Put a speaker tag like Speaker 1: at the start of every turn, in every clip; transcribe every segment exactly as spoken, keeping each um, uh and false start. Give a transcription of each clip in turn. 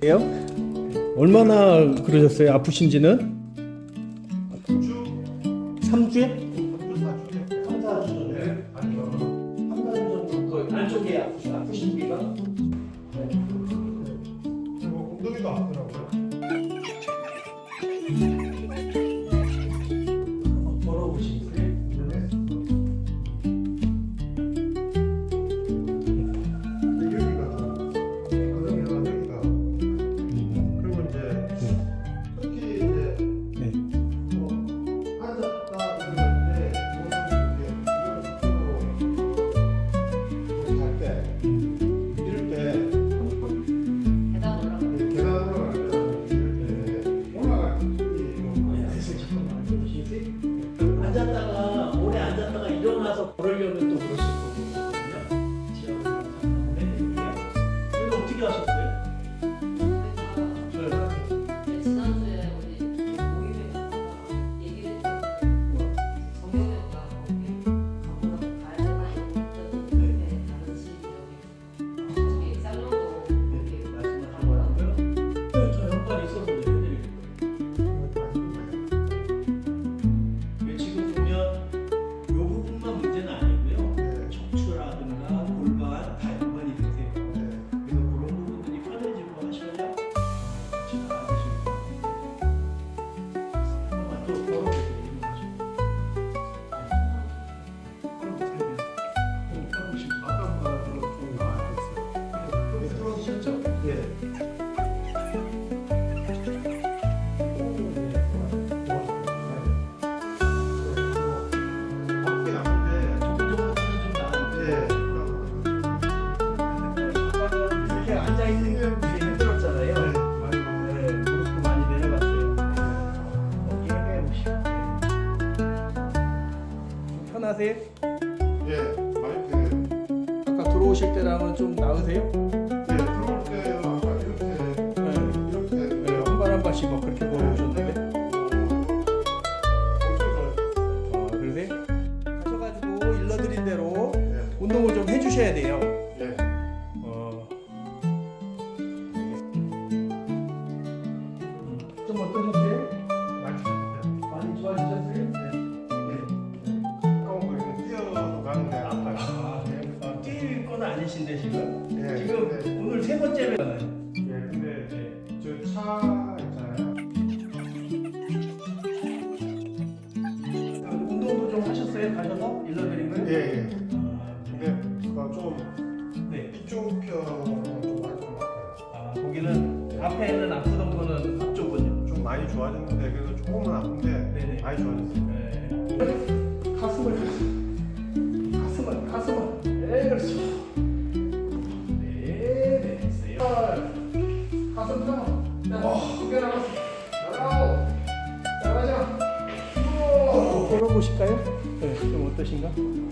Speaker 1: 예요? 얼마나 그러셨어요? 아프신지는? 삼 주에? 삼, 사 주 정도? 아니요. 삼, 사 주 정도 그 안쪽에 아프신, 아프신 부위가?
Speaker 2: 그리고 엉덩이도 아프더라고요.
Speaker 1: 한번 걸어보시겠어요?
Speaker 2: 네. 근데 여기가 엉덩이가 여기가 그리고 이제 특히 이제
Speaker 1: 네.
Speaker 2: 뭐 앉았다 이러는데 이쪽으로 잘때 이럴 때
Speaker 3: 계단으로
Speaker 2: 계단으로 갈 때 이럴 때 올라갈 때
Speaker 1: 그래서 잠깐만 보시겠어요? 앉았다가 오래 앉았다가 일어나서 걸으려면 또 그러실 거거든요. 제가 잠깐 해드릴게요. 이거 어떻게 하셨어요?
Speaker 3: 그래서
Speaker 1: 네.
Speaker 3: 지난주에 우리 모임에 갔다가 얘기를 했는데 정형외과 가보러 가야 되나 다른 집이 여기 저기 쌍용도 여기
Speaker 1: 말씀하시고요. 네, 저 연관 있어서 해드릴 거예요. 이게 지금 보면 이 부분만 문제는 아니고요. 척추라든가 골반 다 연관이 되세요. 그래서 그런 부분들이 편해지고 하셔야 잘 하실 거예요. 한 번만 더 걸어보세요. 걸어보세요. 걸어보시고
Speaker 2: 아까보다 좀 나아졌어요.
Speaker 1: 들어오셨죠? 예.
Speaker 2: 아프긴 아픈데
Speaker 1: 조금 좀 나은데
Speaker 2: 예.
Speaker 1: 이렇게 앉아 있는 게 힘들었잖아요. 네, 무릎도 많이 내려갔어요. 어깨 빼보시고. 좀 편하세요?
Speaker 2: 예, 많이 되네요.
Speaker 1: 아까 들어오실 때랑은 좀 나으세요?
Speaker 2: 예, 들어올 때는 아까 이렇게
Speaker 1: 네.
Speaker 2: 이렇게
Speaker 1: 네, 한 발 한 발씩 막 그렇게 걸어오셨는데.
Speaker 2: 엄청 좋아요.
Speaker 1: 어, 그러세요? 하셔가지고 일러드린 대로
Speaker 2: 예,
Speaker 1: 운동을 좀 해주셔야 돼요.
Speaker 2: 예.
Speaker 1: 어. 좀 어떠셨어요?
Speaker 2: 많이 좋아요.
Speaker 1: 많이 좋아지셨어요?
Speaker 2: 아까운 거 이렇게 뛰어도 가는데 아파요.
Speaker 1: 아, 네. 뛸 건 아니신데 지금?
Speaker 2: 예,
Speaker 1: 지금
Speaker 2: 근데,
Speaker 1: 오늘 세 번째면
Speaker 2: 예, 근데 저 차 있잖아요.
Speaker 1: 운동도 좀 하셨어요? 가셔서 일러드린 거요?
Speaker 2: 예, 예.
Speaker 1: 아,
Speaker 2: 근데 그거 좀
Speaker 1: 네.
Speaker 2: 이쪽 편은 좀 많이 좀 아파요.
Speaker 1: 아, 거기는 앞에는 아프던 거는 앞쪽은요?
Speaker 2: 좀 많이 좋아졌는데 그래도 조금은 아픈데
Speaker 1: 네네.
Speaker 2: 많이 좋아졌어요.
Speaker 1: 네. 가슴을 가슴을 가슴을 네 그렇죠. 네 됐어요. 가슴 펴. 두개 남았어. 나가고 나가자. 걸어보실까요? 네, 좀 어떠신가?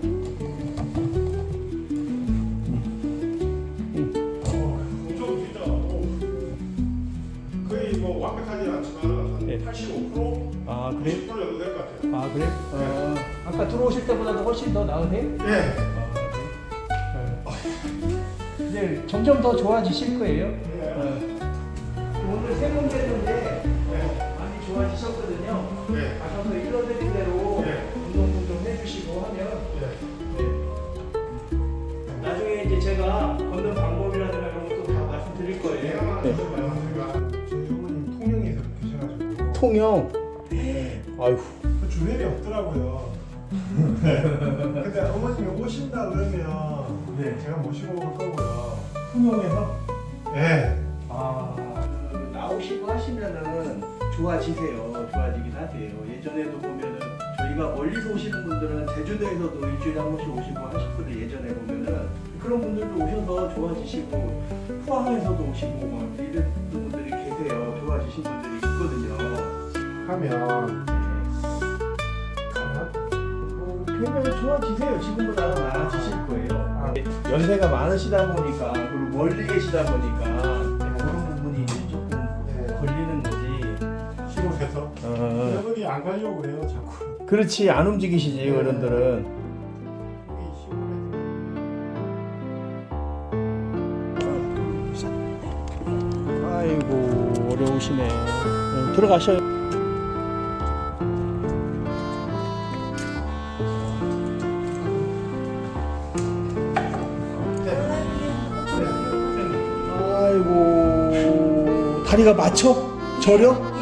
Speaker 2: 엄청 진짜 어, 거의 뭐 완벽하지는 않지만 한
Speaker 1: 네.
Speaker 2: 팔십오 퍼센트,
Speaker 1: 아
Speaker 2: 구십 퍼센트 정도 될 것 같아요.
Speaker 1: 아 그래? 어, 아까 들어오실 때보다도 훨씬 더 나으세요?
Speaker 2: 예.
Speaker 1: 아, 네. 이제 점점 더 좋아지실 거예요. 어. 오늘 세 번째인데 어, 많이 좋아지셨거든요.
Speaker 2: 예.
Speaker 1: 가셔서 일러드린 대로
Speaker 2: 네.
Speaker 1: 운동 좀 해주시고 하면
Speaker 2: 예.
Speaker 1: 네. 나중에 이제 제가 걷는 방법이라든가 이런 것도 다 말씀드릴 거예요.
Speaker 2: 네. 제가 저희 어머님 통영에서 계셔가지고
Speaker 1: 통영. 아유.
Speaker 2: 그 주변에 없더라고요. 근데 어머님이 오신다 그러면
Speaker 1: 네.
Speaker 2: 제가 모시고 올 거고요.
Speaker 1: 통영에서
Speaker 2: 예.
Speaker 1: 아 그, 나오시고 하시면은 좋아지세요. 좋아지긴 하세요. 예전에도 보면은 저희가 멀리서 오시는 분들은 제주도에서도 일주일에 한 번씩 오시고 하셨거든요. 예전에 보면은 그런 분들도 오셔서 좋아지시고 포항에서도 오시고 막 이런 분들이 계세요. 좋아지신 분들이 있거든요.
Speaker 2: 하면 가나?
Speaker 1: 어, 굉장히 좋아지세요. 지금보다 나아지실 거예요.
Speaker 2: 아.
Speaker 1: 연세가 많으시다 보니까 그리고 멀리 계시다 보니까 그런 부분이 이제 조금
Speaker 2: 네.
Speaker 1: 걸리는 거지.
Speaker 2: 시골에서
Speaker 1: 어,
Speaker 2: 여러분이 안 가려고 그래요 자꾸.
Speaker 1: 그렇지 안 움직이시지
Speaker 2: 네.
Speaker 1: 어른들은.
Speaker 2: 여기 시골에서.
Speaker 1: 아이고. 좋으시네. 네, 들어가셔요. 아이고, 다리가 맞춰? 저려?